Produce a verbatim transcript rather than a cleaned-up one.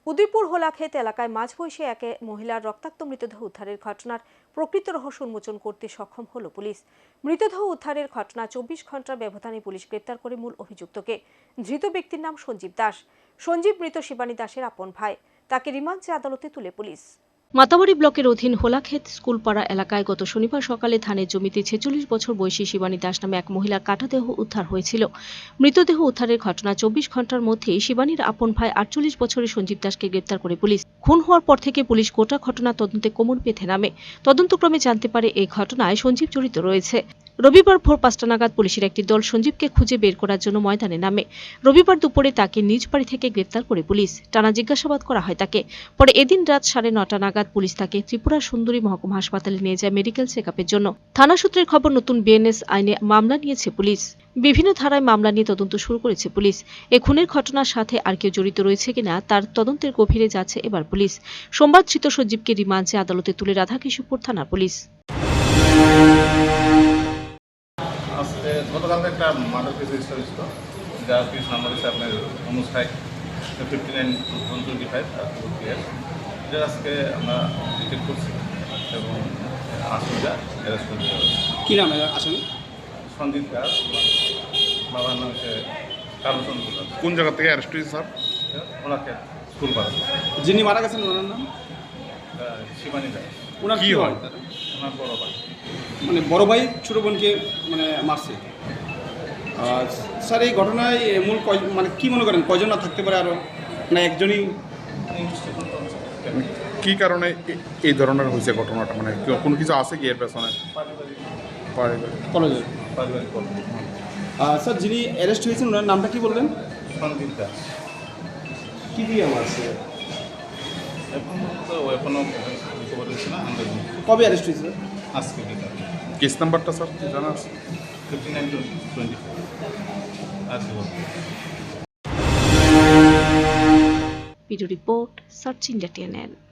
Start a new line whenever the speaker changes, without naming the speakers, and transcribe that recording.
উদয়পুর হোলাক্ষেত এলাকায় মাঝবয়সী এক মহিলার রক্তাক্ত মৃতদেহ উদ্ধারের ঘটনার প্রকৃত রহস্য উন্মোচন করতে সক্ষম হল পুলিশ। মৃতদেহ উদ্ধারের ঘটনা চব্বিশ ঘন্টার ব্যবধানে পুলিশ গ্রেপ্তার করে মূল অভিযুক্তকে। ধৃত ব্যক্তির নাম সঞ্জীব দাস। সঞ্জীব মৃত শিবানী দাসের আপন ভাই। তাকে রিমান্ড চেয়ে আদালতে তুলে পুলিশ। মাতাবাড়ি ব্লকের অধীন হোলাক্ষেত স্কুলপাড়া এলাকায় গত শনিবার সকালে ধানের জমিতে ছেচল্লিশ বছর বয়সী শিবানী দাস নামে এক মহিলার কাটাদেহ উদ্ধার হয়েছিল। মৃতদেহ উদ্ধারের ঘটনা চব্বিশ ঘন্টার মধ্যেই শিবানীর আপন ভাই আটচল্লিশ বছরের সঞ্জীব দাসকে গ্রেপ্তার করে পুলিশ। খুন হওয়ার পর থেকে পুলিশ গোটা ঘটনা তদন্তে কোমর বেঁধে নামে। তদন্তক্রমে জানতে পারে এই ঘটনায় সঞ্জীব জড়িত রয়েছে। রবিবার ভোর পাঁচটা নাগাদ পুলিশের একটি দল সঞ্জীবকে খুঁজে বের করার জন্য ময়দানে নামে। রবিবার দুপুরে তাকে নিজ বাড়ি থেকে গ্রেপ্তার করে পুলিশ। টানা জিজ্ঞাসাবাদ করা হয় তাকে। পরে এদিন রাত সাড়ে নটা নাগাদ পুলিশ তাকে ত্রিপুরা সুন্দরী মহকুমা হাসপাতালে নিয়ে যায় মেডিকেল চেকআপের জন্য। থানা সূত্রের খবর, নতুন বিএনএস আইনে মামলা নিয়েছে পুলিশ। বিভিন্ন ধারায় মামলা নিয়ে তদন্ত শুরু করেছে পুলিশ। এ খুনের ঘটনার সাথে আর কেউ জড়িত রয়েছে কিনা তার তদন্তের গভীরে যাচ্ছে এবার পুলিশ। সোমবার ধৃত সঞ্জীবকে রিমান্ডে আদালতে তুলে রাধাকৃষ্ণপুর থানার পুলিশ।
গতকালকে একটা মার্ডার কেস রেজিস্টার হয়েছিল, যার কেস নাম্বার হচ্ছে আপনার Anuj five fifty nine one twenty five এটা আজকে আমরা ডিটেক্ট করছি এবং আসামিটা অ্যারেস্ট করে দেওয়া হয়েছে।
কী নাম আসামি?
সঞ্জিত দাস, বাবার নাম হচ্ছে কালচন্দ্র দাস।
কোন জায়গা থেকে অ্যারেস্ট হয়েছে স্যার?
ওনাকে স্কুল পাড়া।
যিনি মারা গেছেন ওনার নাম
শিবানী দাস।
ওনার
কি
কি
হয়?
হয়?
ওনার বড় ভাই।
মানে বড় ভাই ছোট বোনকে মানে মারছে। আর স্যার এই ঘটনায় মূল কয় মানে কি মনে করেন কয়জন না থাকতে পারে আরও, না একজনই?
কি কারণে এ- এই ধরনের হয়েছে ঘটনাটা, মানে কি- কোনো কিছু আছে কি এর পেছনে?
পারিবারিক
পারিবারিক।
কলেজে।
পারিবারিক গল্প।
আর স্যার যিনি অ্যারেস্ট হয়েছেন ওনার নামটা কি বললেন?
সঞ্জিত দাস।
কি দিয়ে মারছে?
এখন তো এখনও খবর হয়েছে না, আমরা
কবে অ্যারেস্ট হয়েছে?
আজকে যেটা
কেস নাম্বারটা স্যার কি জানা আছে?
ফিফটি নাইন টোয়েন্টি ফাইভ আজকে
video report search India TNN.